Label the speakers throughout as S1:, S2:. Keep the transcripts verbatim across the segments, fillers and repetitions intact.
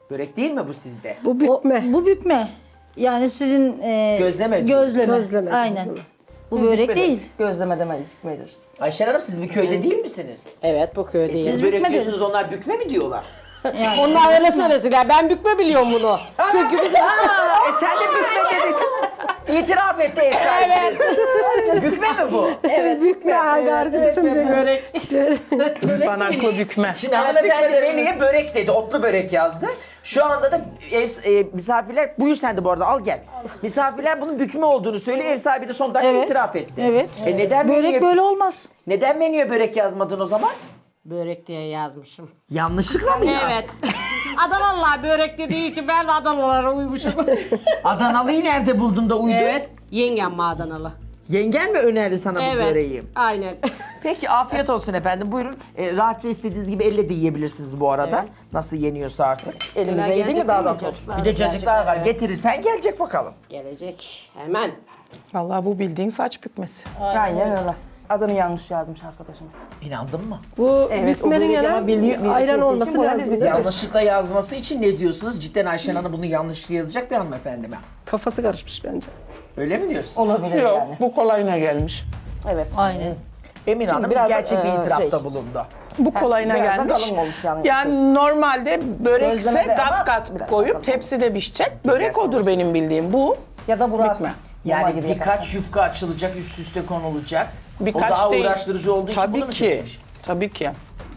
S1: Börek değil mi bu sizde?
S2: Bu bükme.
S3: O- bu bükme. Yani sizin e,
S1: Gözleme diyor.
S3: Gözleme.
S2: Gözleme,
S3: Aynen.
S2: gözleme.
S3: Bu börek
S4: Bükmediniz.
S3: değil.
S4: Gözleme demeyiz, bükmediniz.
S1: Ayşen Hanım siz bir köyde değil misiniz?
S5: Evet bu
S1: E
S5: köydeyim.
S1: siz börek
S3: bükme
S1: diyorsunuz,
S3: deriz.
S1: onlar bükme mi diyorlar?
S5: Onlar öyle söylesinler. Ben bükme biliyorum bunu. Çünkü bizim...
S1: Aa, e sen de bükme dedin. İtiraf etti ev sahibiniz. Bükme mi bu?
S2: Evet, bükme abi arkadaşım benim.
S5: Börek.
S4: Ispanaklı bükme.
S1: Şimdi hanımefendi menüye börek dedi, otlu börek yazdı. Şu anda da ev e, misafirler, buyur sen de bu arada al gel. Misafirler bunun bükme olduğunu söylüyor, ev sahibi de son dakika
S3: Evet.
S1: itiraf etti.
S3: Evet.
S1: E neden
S3: Börek
S1: menüye,
S3: böyle olmaz.
S1: neden menüye börek yazmadın o zaman?
S5: Börek diye yazmışım.
S1: Yanlışlıkla mı ya?
S5: Evet. Adanalılar börek dediği için ben de Adanalılara uymuşum.
S1: Adanalı'yı nerede buldun da uydun?
S5: Evet. Yengem mi Adanalı?
S1: Yengen mi önerdi sana bu
S5: Evet.
S1: böreği?
S5: Aynen.
S1: Peki afiyet olsun efendim. Buyurun. E, rahatça istediğiniz gibi elle de yiyebilirsiniz bu arada.
S5: Evet.
S1: Nasıl yeniyorsa artık.
S4: Elimize iyi değil mi daha da?
S1: Bir de cacıklar var.
S5: Evet.
S1: Getirirsen gelecek bakalım.
S5: Gelecek. Hemen.
S4: Vallahi bu bildiğin saç bükmesi. Aynen öyle. Adını yanlış yazmış arkadaşımız.
S1: İnandın mı?
S2: Bu
S4: Evet, o
S2: bükmenin
S4: börek ama
S2: yana
S4: bildiği- bildiği
S2: ayran
S4: şey
S2: olması
S4: değil ki, bu
S2: lazım.
S4: biz
S2: değil mi?
S1: Yanlışlıkla yazması için ne diyorsunuz? Cidden Ayşen Hanım bunu yanlışlıkla yazacak bir hanımefendi mi?
S2: Kafası karışmış bence.
S1: Öyle mi diyorsun?
S4: Olabilir Yok, yani. Bu kolayına gelmiş.
S6: Evet.
S3: Aynen.
S1: Emin Hanım
S6: biraz da,
S1: gerçek bir
S6: e,
S1: itirafta
S6: şey.
S1: bulundu.
S4: Bu kolayına
S6: biraz da
S4: gelmiş.
S6: kalın olmuş yani.
S4: Yani normalde börekse
S6: Gözleme de ama
S4: kat kat
S6: biraz
S4: koyup
S6: kalın.
S4: tepside pişecek. Börek odur benim bildiğim. Bu
S6: Ya da burarsın.
S4: Bükme.
S6: Normal
S1: Yani
S6: gibi
S1: birkaç
S6: yaparsın.
S1: yufka açılacak, üst üste konulacak.
S4: birkaç
S1: o daha
S4: değil.
S1: uğraştırıcı olduğu için
S4: Tabii
S1: bunu mu
S4: ki.
S1: seçmiş?
S4: Tabii ki.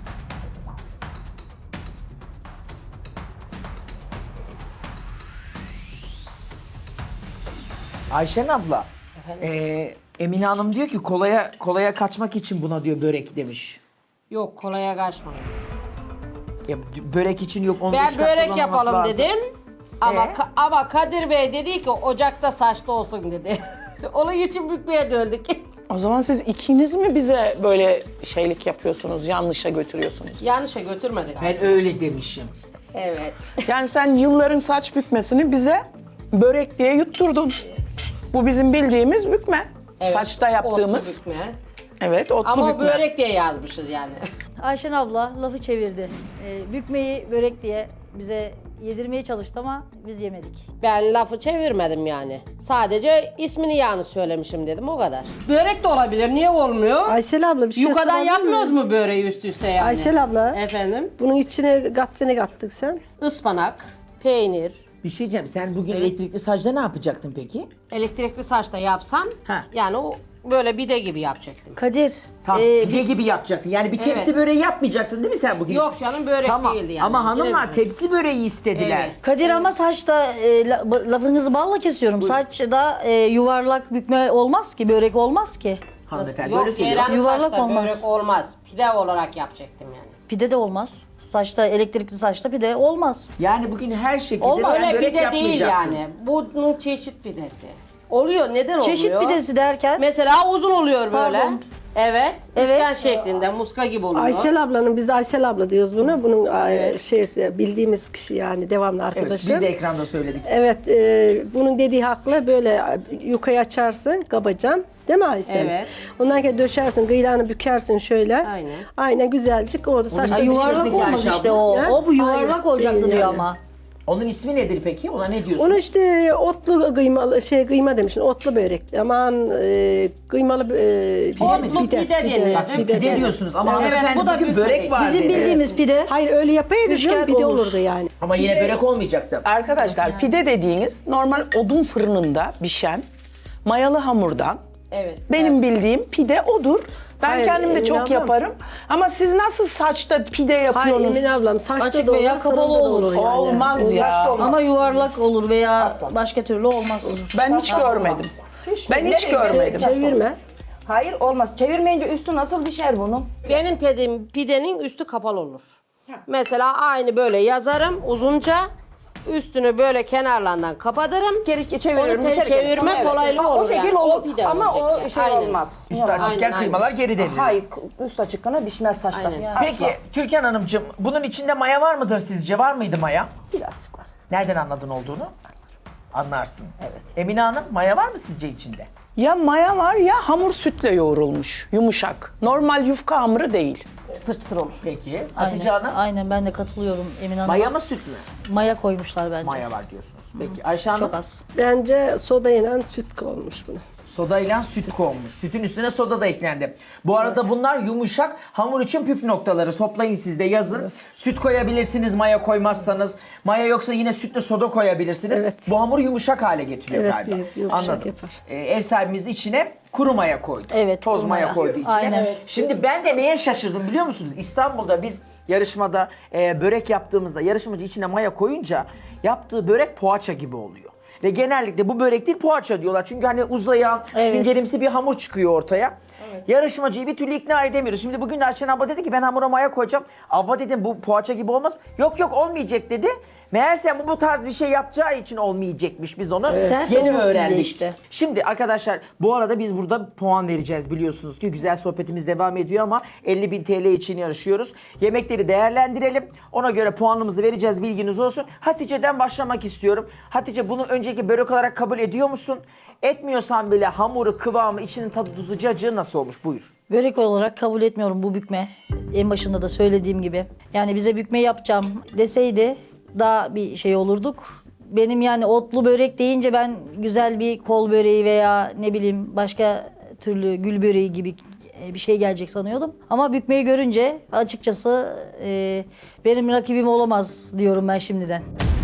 S1: Ayşen abla, e, Emine Hanım diyor ki kolaya kolaya kaçmak için buna diyor börek demiş.
S5: Yok kolaya kaçma.
S1: Ya, börek için yok onu
S5: Ben
S1: dış kat
S5: börek
S1: kullanılması
S5: yapalım
S1: lazım.
S5: dedim. Ama
S1: Ee?
S5: Ka- ama Kadir Bey dedi ki ocakta saçlı olsun dedi. Onun için bükmeye döndük.
S4: O zaman siz ikiniz mi bize böyle şeylik yapıyorsunuz, yanlışa götürüyorsunuz?
S5: Yanlışa götürmedik
S1: Ben
S5: aslında.
S1: öyle demişim.
S5: Evet.
S4: Yani sen yılların saç bükmesini bize börek diye yutturdun. Bu bizim bildiğimiz bükme.
S5: Evet,
S4: Saçta yaptığımız.
S5: otlu bükme.
S4: Evet, otlu
S5: Ama
S4: bükme.
S5: börek diye yazmışız yani.
S3: Ayşen abla lafı çevirdi. E, bükmeyi börek diye bize yedirmeye çalıştı ama biz yemedik.
S5: Ben lafı çevirmedim yani. Sadece ismini yanlış söylemişim dedim o kadar. Börek de olabilir. Niye olmuyor?
S2: Aysel abla bir şey
S5: Yukadan
S2: sorabilir
S5: yapmıyoruz
S2: miyim?
S5: mu böreği üst üste yani?
S2: Aysel abla.
S5: Efendim?
S2: Bunun içine kattı ne kattık sen?
S5: Ispanak, peynir,
S1: Bir şey diyeceğim, sen bugün elektrikli sacda ne yapacaktın peki?
S5: elektrikli saçta yapsam
S1: Ha.
S5: yani o böyle bide gibi yapacaktım.
S3: Kadir,
S1: Tam
S3: e,
S1: pide gibi yapacaktın. Yani bir tepsi
S5: Evet.
S1: böreği yapmayacaktın değil mi sen bugün?
S5: Yok canım börek
S1: Tamam.
S5: değildi yani.
S1: Ama hanımlar
S5: Direkt-
S1: tepsi böreği istediler.
S5: Evet.
S3: Kadir ama saçta e, la- lafınızı balla kesiyorum. Saçta e, yuvarlak bükme olmaz ki, börek olmaz ki.
S1: Hanımefendi
S5: Yok
S1: öyle söylüyor.
S5: ceyranlı
S3: Yuvarlak
S5: saçta
S3: olmaz.
S5: börek olmaz. Pide olarak yapacaktım yani.
S3: Pide de olmaz. Saçta, elektrikli saçta pide olmaz.
S1: Yani bugün her şekilde
S3: Olmaz.
S1: sen
S5: Öyle
S1: börek
S5: pide değil
S1: yapmayacaktın.
S5: yani. Bunun çeşit pidesi. Oluyor. Neden
S3: Çeşit
S5: oluyor?
S3: pidesi derken
S5: Mesela uzun oluyor böyle.
S3: Pardon.
S5: Evet.
S3: Evet.
S5: Üçgen şeklinde muska gibi oluyor.
S2: Aysel ablanın, biz Aysel abla diyoruz buna. Bunun
S5: Evet.
S2: şeysi, bildiğimiz kişi yani devamlı
S1: Evet,
S2: arkadaşı.
S1: biz de ekranda söyledik.
S2: Evet, e, bunun dediği haklı. Böyle yukayı açarsın, kabacan. Değil mi Aysel?
S5: Evet.
S2: Ondan sonra döşersin, kıyılarını bükersin şöyle.
S5: Aynen.
S2: Aynen güzelcik orada saçta
S1: ismi
S3: yuvarlak
S1: Yuvarlak
S3: olmaz
S1: Ayşe
S3: işte
S1: abla.
S3: o.
S2: Ha?
S3: O bu yuvarlak
S2: Hayır,
S3: olacaktı
S2: değil
S3: diyor
S2: yani.
S3: ama.
S1: Onun ismi nedir peki? Ona ne diyorsun?
S2: Onu işte otlu kıymalı şey kıyma demişsin. Otlu börek. Aman e, kıymalı e,
S5: Otlu pide denir.
S1: Bak şimdi pide,
S5: Pide
S1: diyorsunuz ama
S5: Evet,
S1: hanımefendi
S5: bu da
S1: bugün
S5: bükme
S1: börek
S5: değil.
S1: var
S3: Bizim
S1: dedi.
S3: bildiğimiz pide.
S2: Hayır öyle yapaydı
S3: Üçgen
S2: canım bir de
S3: olur.
S2: olurdu yani.
S1: Ama yine börek olmayacaktı.
S4: Arkadaşlar pide dediğiniz normal odun fırınında pişen mayalı hamurdan.
S5: Evet.
S4: Benim bildiğim pide odur. Ben
S2: Hayır,
S4: kendim de
S2: Emine
S4: çok
S2: ablam.
S4: yaparım. Ama siz nasıl saçta pide
S2: Hayır
S4: yapıyorsunuz?
S2: Emine ablam saçta
S3: Açık
S2: da olur,
S3: veya kapalı
S2: fırında da
S3: olur.
S2: yani.
S4: Olmaz ya.
S3: Ama yuvarlak olur veya başka türlü olmaz olur.
S4: Ben hiç görmedim. Ben hiç görmedim.
S2: Çevirme.
S6: Hayır olmaz. Çevirmeyince üstü nasıl pişer bunun?
S5: Benim dediğim pidenin üstü kapalı olur. Mesela aynı böyle yazarım uzunca. Üstünü böyle kenarlarından kapatırım.
S6: Geri çeviriyorum.
S5: Onu te-
S6: dışarı geri-
S5: çevirme
S6: Evet.
S5: kolaylığı
S6: Ha,
S5: olur
S6: O şekil
S5: yani. O
S6: olur
S5: pide
S6: ama
S5: olacak
S6: o
S5: yani.
S6: şey
S5: Aynen.
S6: olmaz.
S1: Üstü açıkken
S5: Aynen,
S1: kıymalar geri devrilir.
S6: Hayır üst açıkkana pişmez saçta.
S5: Aynen.
S1: Peki Türkan Hanımcığım bunun içinde maya var mıdır sizce? Var mıydı maya?
S6: Birazcık var.
S1: Nereden anladın olduğunu? Anlarsın. Evet. Emine Hanım maya var mı sizce içinde?
S4: Ya maya var ya hamur sütle yoğrulmuş. Yumuşak. Normal yufka hamuru değil.
S6: Çıtır çıtır olur.
S1: Peki. Hatice
S3: Aynen,
S1: Hanım
S3: aynen ben de katılıyorum Emine Hanım'a.
S1: maya mı süt mü?
S3: Maya koymuşlar bence.
S1: Maya var diyorsunuz. Peki Ayşe Hanım
S3: Çok az.
S2: Bence soda ile süt olmuş bunu.
S1: sodayla süt konmuş. Sütün üstüne soda da eklendi. Bu arada bunlar yumuşak hamur için püf noktaları. Toplayın siz de yazın. Süt koyabilirsiniz maya koymazsanız. Maya yoksa yine sütle soda koyabilirsiniz.
S2: Evet.
S1: Bu hamuru yumuşak hale getiriyor
S2: Evet,
S1: galiba.
S2: yumuşak
S1: Anladım.
S2: yapar.
S1: Ee, ev sahibimiz içine kuru maya koydu.
S3: Evet,
S1: Toz
S3: kuru
S1: maya,
S3: maya.
S1: koydu içine.
S3: Aynen. Evet.
S1: Şimdi ben de neye şaşırdım biliyor musunuz? İstanbul'da biz yarışmada e, börek yaptığımızda yarışmacı içine maya koyunca yaptığı börek poğaça gibi oluyor. Ve genellikle bu börek değil poğaça diyorlar. Çünkü hani uzayan,
S3: Evet.
S1: süngerimsi bir hamur çıkıyor ortaya. Yarışmacıyı bir türlü ikna edemiyoruz. Şimdi bugün de Ayşen abla dedi ki ben hamura maya koyacağım. Abla dedim bu poğaça gibi olmaz. Yok yok olmayacak dedi. Meğerse bu, bu tarz bir şey yapacağı için olmayacakmış. Biz onu
S3: Sert
S1: yeni
S3: olmasın diye
S1: öğrendik.
S3: işte.
S1: Şimdi arkadaşlar bu arada biz burada puan vereceğiz biliyorsunuz ki güzel sohbetimiz devam ediyor ama elli bin T L için yarışıyoruz. Yemekleri değerlendirelim. Ona göre puanımızı vereceğiz bilginiz olsun. Hatice'den başlamak istiyorum. Hatice bunu önceki börek olarak kabul ediyor musun? Etmiyorsan bile hamuru, kıvamı, içinin tadı, tuzu, cacığı nasıl olmuş? Buyur.
S3: Börek olarak kabul etmiyorum bu bükme. En başında da söylediğim gibi. Yani bize bükme yapacağım deseydi daha bir şey olurduk. Benim yani otlu börek deyince ben güzel bir kol böreği veya ne bileyim başka türlü gül böreği gibi bir şey gelecek sanıyordum. Ama bükmeyi görünce açıkçası e, benim rakibim olamaz diyorum ben şimdiden.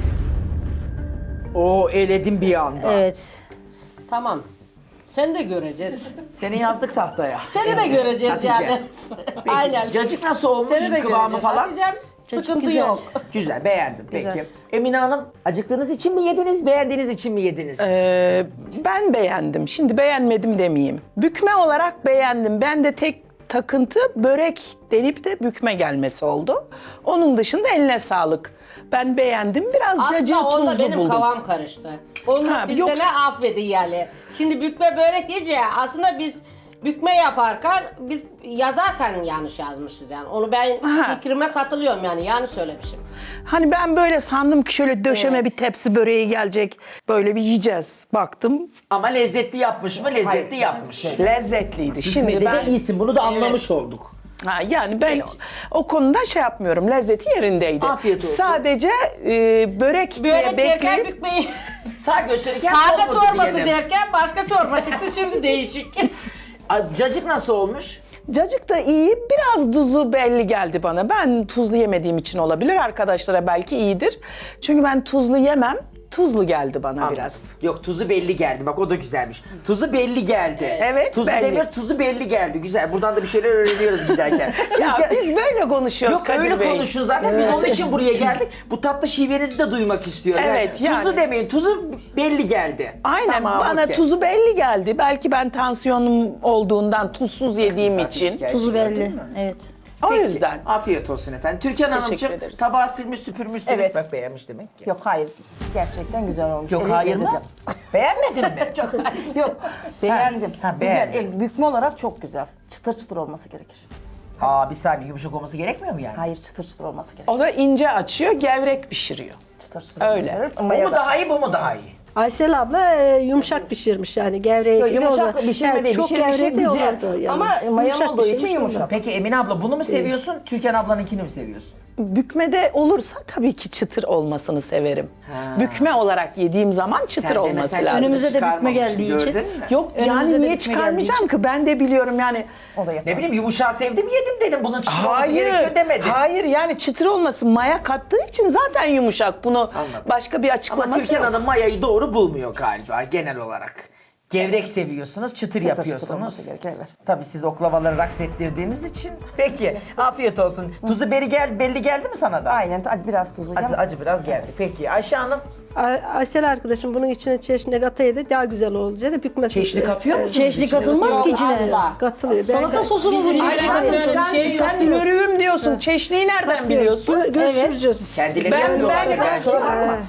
S1: Oo eledim bir anda.
S3: Evet.
S5: Tamam. Sen de göreceğiz.
S1: Seni yazdık tahtaya.
S5: Seni de göreceğiz
S1: Hatice.
S5: yani.
S1: Peki,
S5: Aynen.
S1: cacık nasıl olmuş?
S5: Seni de
S1: Kıvamı
S5: göreceğiz.
S1: falan?
S5: Hatice'm, sıkıntı
S3: güzel.
S5: yok.
S1: Güzel, beğendim. Peki.
S3: Güzel.
S1: Emine Hanım, acıktığınız için mi yediniz, beğendiğiniz için mi yediniz?
S4: Ee, ben beğendim. Şimdi beğenmedim demeyeyim. Bükme olarak beğendim. Ben de tek takıntı börek denip de bükme gelmesi oldu. Onun dışında eline sağlık. Ben beğendim. Biraz cacığı
S5: Aslında onda
S4: tuzlu
S5: benim
S4: buldum.
S5: kavam karıştı. Onu da
S4: Ha,
S5: siz
S4: yok.
S5: de ne affedin yani. Şimdi bükme börek yiyince aslında biz bükme yaparken biz yazarken yanlış yazmışız yani. Onu ben
S4: Ha.
S5: fikrime katılıyorum yani yanlış söylemişim.
S4: Hani ben böyle sandım ki şöyle döşeme
S5: Evet.
S4: bir tepsi böreği gelecek. Böyle bir yiyeceğiz. Baktım
S1: Ama lezzetli yapmış mı? Lezzetli yapmış.
S4: lezzetliydi.
S1: Şimdi
S4: Şimdi
S1: de
S4: ben
S1: iyisin, bunu da anlamış olduk.
S4: Ha, yani ben o, o konuda şey yapmıyorum. Lezzeti yerindeydi.
S1: Afiyet olsun.
S4: Sadece e, börek, diye
S5: Börek derken
S4: bekleyip
S5: bükmeyi
S1: Sağ gösterirken
S5: karga
S1: olmadı
S5: çorbası
S1: diyelim.
S5: derken başka çorba çıktı şimdi değişik.
S1: A, Cacık nasıl olmuş?
S4: cacık da iyi. Biraz tuzu belli geldi bana. Ben tuzlu yemediğim için olabilir. Arkadaşlara belki iyidir. Çünkü ben tuzlu yemem. Tuzlu geldi bana biraz.
S1: Yok tuzu belli geldi. Bak o da güzelmiş. Tuzu belli geldi.
S4: Evet,
S1: Tuzu
S4: belli.
S1: demir, tuzu belli geldi. Güzel. Buradan da bir şeyler öğreniyoruz giderken.
S4: Ya
S1: Çünkü-
S4: biz böyle konuşuyoruz
S1: Yok
S4: Kadir
S1: öyle
S4: Bey.
S1: konuşun zaten. Biz onun için buraya geldik. Bu tatlı şivenizi de duymak istiyorum.
S4: Evet, yani.
S1: Tuzu demeyin. Tuzu belli geldi.
S4: Aynen
S1: Tamam,
S4: bana
S1: okey.
S4: tuzu belli geldi. Belki ben tansiyonum olduğundan tuzsuz yediğim
S1: Zaten
S4: için.
S1: şikayet
S3: Tuzu
S1: gördün
S3: belli.
S1: mü?
S3: Evet.
S4: O
S1: Peki,
S4: yüzden.
S1: Afiyet olsun efendim. Türkan Hanımcığım
S4: ederiz.
S1: tabağı silmiş süpürmüşsünüz.
S6: Evet.
S1: Bak beğenmiş demek ki.
S6: Yok hayır. Gerçekten güzel olmuş.
S1: Yok
S6: Eline
S1: hayır mı?
S6: gezeceğim.
S1: Beğenmedin mi?
S6: Yok. Beğendim.
S1: ha,
S6: Güzel.
S1: beğendin.
S6: E, bükme olarak çok güzel. Çıtır çıtır olması gerekir.
S1: Aa bir saniye yumuşak olması gerekmiyor mu yani?
S6: Hayır çıtır çıtır olması gerekir.
S4: O da ince açıyor, gevrek pişiriyor.
S6: Çıtır çıtır
S4: Öyle.
S6: olması gerekir.
S1: Bu
S6: Maya
S1: mu
S6: da-
S1: daha iyi bu mu daha iyi?
S2: Aysel abla e, yumuşak pişirmiş yani gevreği.
S6: Yok,
S2: gibi
S6: yumuşak
S2: o da-
S6: pişirme
S2: yani
S6: değil.
S2: çok
S6: Pişirmişi
S2: gevrek de
S6: güzel.
S2: olurdu yalnız.
S6: Ama maya
S2: Yumuşak
S6: olduğu için
S2: pişirmiş
S6: yumuşak.
S2: ondan.
S1: Peki Emine abla bunu mu seviyorsun? Türkan ablanınkini mi seviyorsun?
S4: Bükmede olursa tabii ki çıtır olmasını severim. Bükme olarak yediğim zaman çıtır
S1: Sen de
S4: olması
S1: mesela
S4: lazım.
S3: Önümüze de bükme
S1: çıkarmamıştın,
S3: geldiği
S1: gördün
S3: için.
S1: mü?
S4: Yok
S3: Önümüze
S4: yani
S3: de
S4: niye
S3: bükme
S4: çıkarmayacağım ki? Ben de biliyorum yani.
S6: O da yapar.
S1: Ne bileyim yumuşağı sevdim yedim dedim. Bunun çıtır olması
S4: Hayır,
S1: gerekiyor demedim.
S4: hayır yani çıtır olması maya kattığı için zaten yumuşak. Bunu
S1: Anladım.
S4: başka bir
S1: Ama
S4: açıklaması
S1: Türkan
S4: yok.
S1: Hanım mayayı doğru bulmuyor galiba genel olarak. Gevrek seviyorsunuz, çıtır,
S6: çıtır
S1: yapıyorsunuz.
S6: olması gerekir, evet.
S1: Tabii siz oklavaları raks ettirdiğiniz için. Peki, afiyet olsun. Tuzu beri gel, belli geldi mi sana da?
S6: Aynen. Hadi biraz tuzlu.
S1: Acı, acı biraz geldi. Peki Ayşe Hanım,
S2: Ay- Aysel arkadaşım bunun içine çeşni kataydı daha güzel olacaktı. Bükmesi.
S1: çeşni katıyor musunuz?
S3: Çeşni
S1: içine?
S3: katılmaz ki içine.
S5: Asla.
S2: Katılıyor.
S3: Salata sosu mu bu
S5: Bizim
S3: çeşni?
S5: Aynen.
S4: Ay, sen,
S5: Şey
S4: sen
S5: yapıyoruz.
S4: yörüğüm diyorsun. Çeşniyi nereden biliyorsun?
S2: Gö- görüşürüz.
S1: Kendileri
S4: Ben-
S1: yapıyorlar
S4: ben-
S1: da belki.
S6: Kusura bakma.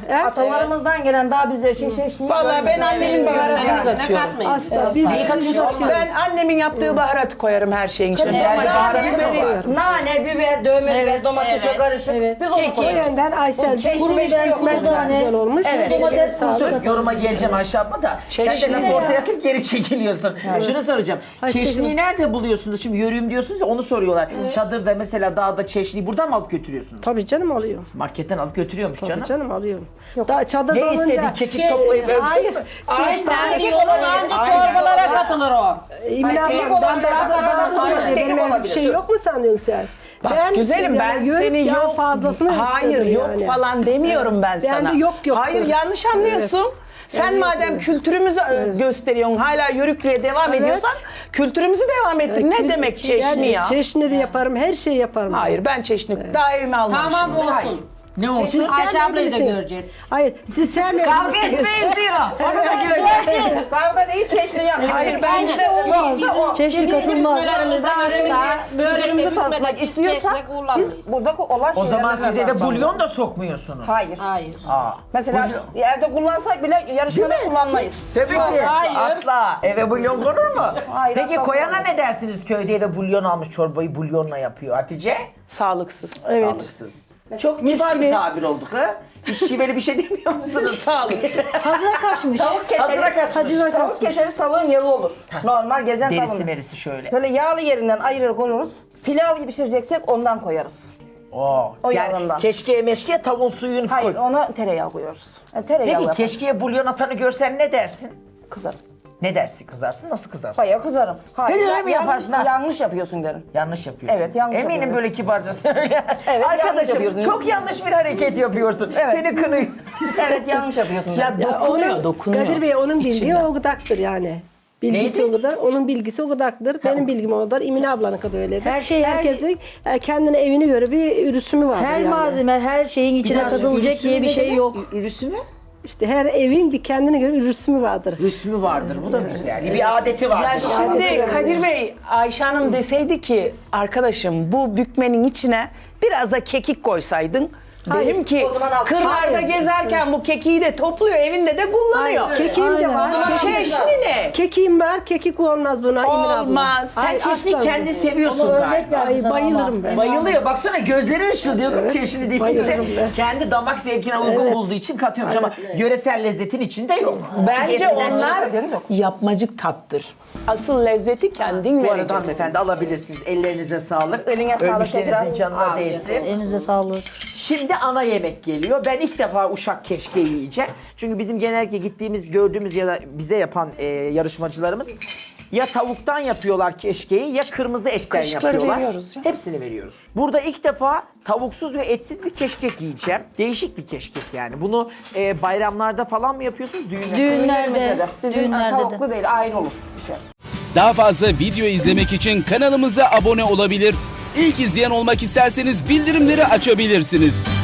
S7: Atalarımızdan gelen daha bize şey şey şey.
S4: Vallahi ben annemin baharatını
S5: Ne
S4: katıyorum.
S5: katmayız.
S2: Asla. Biz
S1: Neyi katıyorsunuz?
S4: Ben annemin yaptığı baharatı koyarım her şeyin içine. Ama baharatı veriyorum.
S7: Nane, biber, dövme biber, domatesle
S5: evet,
S7: karışık. Biz onu
S4: Keki.
S7: koyuyoruz.
S2: Benden Aysel'cim
S7: Kuru biber, kuru
S2: çok
S7: tane.
S2: güzel olmuş.
S7: Evet.
S2: Domates
S7: Domates
S2: sağlık.
S7: kurusu.
S1: Yoruma geleceğim Ayşe abla da. Sen de
S4: Çeşni
S1: laf
S4: ya.
S1: ortaya atıp geri çekiliyorsun. Şunu soracağım.
S2: Ay,
S1: Çeşniyi
S2: çeşni.
S1: nerede buluyorsunuz? Şimdi yörüğüm diyorsunuz ya onu soruyorlar. Çadırda mesela dağda çeşniyi buradan mı alıp götürüyorsunuz?
S2: Tabii canım alıyor.
S1: Marketten alıp götürüyormuş
S2: Tabii
S1: canım.
S2: canım alıyorum. Daha çadırda
S1: Ne
S2: olunca...
S1: istedin? Kekik toplayıp ölsün
S2: Hayır.
S1: mü?
S5: Çeşitler diyorum ancak çorbalara katılır o.
S2: Emine
S7: Hayır,
S2: abla,
S7: kekik
S2: ben
S7: olabilir,
S2: daha
S7: kekik
S2: da
S7: olabilir,
S2: benim
S7: kekik
S2: öyle bir
S7: olabilir.
S2: şey yok mu sanıyorsun sen?
S4: Bak güzelim ben
S2: yani
S4: seni
S2: yağ
S4: yok
S2: fazlasını
S4: hayır
S2: istedim
S4: yok
S2: yani.
S4: falan demiyorum ben
S2: Ben
S4: sana.
S2: de yok yoktur.
S4: Hayır yanlış anlıyorsun. Sen
S2: Evet,
S4: madem
S2: evet.
S4: kültürümüzü ö- gösteriyorsun hala yörüklüğe devam
S2: Evet.
S4: ediyorsan kültürümüzü devam ettir. Ne
S2: Kül-
S4: demek çeşni
S2: yani
S4: ya?
S2: Çeşni de yaparım, her şeyi yaparım.
S4: Hayır ben çeşni daha evime almamışım.
S5: Tamam olsun.
S1: Hayır. Ne olsun?
S5: Ayşe ablayı da
S2: Bilirsiniz.
S5: göreceğiz.
S2: Hayır, siz sevmiyor
S1: Kavga
S2: musunuz?
S1: etmeyin diyor. Onu da göreceğiz.
S7: Kavga değil, çeşni yapıyoruz.
S4: Hayır ben
S5: Aynen.
S4: işte
S5: Yok, bizim,
S3: Çeşni
S5: bizim
S3: katılmaz.
S5: hükümelerimizde asla börekte
S7: Birbirimizi tanıtmak
S5: hükmedeki
S7: istiyorsak
S5: keşke
S7: biz
S5: kullanmayız.
S7: burada olan
S1: O zaman
S7: şeylerden
S1: siz eve
S7: kazanmamız.
S1: bulyon da sokmuyorsunuz.
S7: Hayır.
S5: Hayır.
S1: Aa,
S7: Mesela
S1: bulyon-
S7: evde kullansak bile yarışmada kullanmayız.
S1: Tabii ki.
S5: Hayır.
S1: Asla. Eve bulyon konur mu?
S7: Hayır,
S1: Peki
S7: asla
S1: koyana
S7: konmaz.
S1: ne dersiniz? Köyde eve bulyon almış çorbayı bulyonla yapıyor. Hatice?
S4: sağlıksız.
S2: Evet.
S1: Sağlıksız. Çok kibar bir tabir olduk ha. Hiç şiveli bir şey demiyor musunuz?
S4: Sağlıksız.
S3: Hazıra kaçmış.
S7: Tavuk
S1: Hazıra
S7: keseriz.
S1: kaçmış.
S2: Hacılar
S7: Tavuk
S2: kaçmış.
S7: keseriz tavuğun yağı olur. Normal gezen
S1: Derisi
S7: tavuğun.
S1: merisi şöyle.
S7: Böyle yağlı yerinden ayırır koyuyoruz. Pilav gibi pişireceksek ondan koyarız.
S1: Oo.
S7: O
S1: yani
S7: yağından.
S1: keşkeye meşkeye tavuğun suyunu
S7: Hayır
S1: koy.
S7: ona tereyağı koyuyoruz. Yani tereyağı
S1: Peki
S7: yaparız.
S1: keşkeye bulyon atanı görsen ne dersin?
S7: Kızarım.
S1: Ne dersin? Kızarsın? Nasıl kızarsın?
S7: Bayağı kızarım. Hayır,
S1: Öyle mi
S7: yan-
S1: yaparsın ha?
S7: Yanlış yapıyorsun derim.
S1: Yanlış yapıyorsun.
S7: Evet, yanlış
S1: Eminim
S7: yapıyorum.
S1: böyle kibarca söyle.
S7: Evet, yanlış
S1: Arkadaşım
S7: yapıyorsun.
S1: çok yanlış bir hareket yapıyorsun.
S7: Evet.
S1: Seni kınıyor.
S7: Evet yanlış yapıyorsun.
S4: Ya
S7: derim.
S4: dokunuyor
S2: Onun-
S4: dokunuyor.
S2: Kadir Bey onun bildiği
S4: İçinden.
S2: o gıdaktır yani. Bilgisi
S1: Neydi?
S2: o kadar, onun bilgisi o kadardır. Benim bilgim o kadar, Emine ablanın kadar öyledir.
S3: Her şey- her
S2: Herkesin e, kendine evine göre bir ürüsümü vardır
S3: Her
S2: yani.
S3: malzeme, her şeyin içine
S1: Biraz
S3: katılacak
S1: ürüsü
S3: diye bir
S1: ne
S3: şey
S1: demek?
S3: yok.
S1: Ü- Ürüsü mü?
S2: İşte her evin bir kendine göre ürüsümü vardır.
S1: Rüsmü vardır. Bu da güzel. Bir adeti vardır.
S4: Ya şimdi Kadir Bey, Ayşe Hanım deseydi ki arkadaşım bu bükmenin içine biraz da kekik koysaydın.
S2: Hayır,
S4: Derim ki
S7: o zaman al-
S4: kırlarda
S2: Hayır.
S4: gezerken bu kekiği de topluyor evinde de kullanıyor.
S2: Kekiğim de var.
S3: Aynen.
S2: Kekiğim-
S4: Çeşni ne?
S2: Kekiğim var, kekik olmaz buna Emine abla.
S4: Olmaz.
S1: Sen
S2: Hayır,
S1: çeşni
S2: asla
S1: kendi
S2: olmaz.
S1: seviyorsun
S3: Onu örnek
S1: galiba.
S3: ver.
S2: Ay,
S3: Sana
S2: bayılırım
S3: ama.
S2: ben.
S1: Bayılıyor. Baksana gözleri ışıldıyor kız çeşni deyince.
S2: bayılırım ben.
S1: Kendi damak zevkine uygun
S2: Evet.
S1: bulduğu için katıyormuş ama yöresel lezzetin içinde yok.
S4: Bence
S1: Çünkü eskiden
S4: onlar
S7: haberiniz yok.
S4: yapmacık tattır. Asıl lezzeti kendin
S1: Bu arada
S4: vereceksin.
S1: hanımefendi alabilirsiniz. Ellerinize sağlık.
S7: Eline sağlık
S1: Ölmüşlerinizin
S7: tekrar.
S1: canına
S5: Afiyet
S1: değsin.
S3: Elinize sağlık.
S1: Şimdi ana yemek geliyor. Ben ilk defa uşak keşke yiyeceğim. Çünkü bizim genellikle gittiğimiz, gördüğümüz ya da bize yapan e, yarışmacılarımız ya tavuktan yapıyorlar keşkeyi ya kırmızı etten
S4: Kaşıkları
S1: yapıyorlar.
S4: veriyoruz ya.
S1: Hepsini veriyoruz. Burada ilk defa tavuksuz ve etsiz bir keşkek yiyeceğim. Değişik bir keşkek yani. Bunu e, bayramlarda falan mı yapıyorsunuz? Düğünlerde.
S3: Düğünlerde,
S7: Bizim
S3: düğünlerde de.
S7: tavuklu değil aynı olur. Bir şey.
S8: Daha fazla video izlemek için kanalımıza abone olabilir. İlk izleyen olmak isterseniz bildirimleri açabilirsiniz.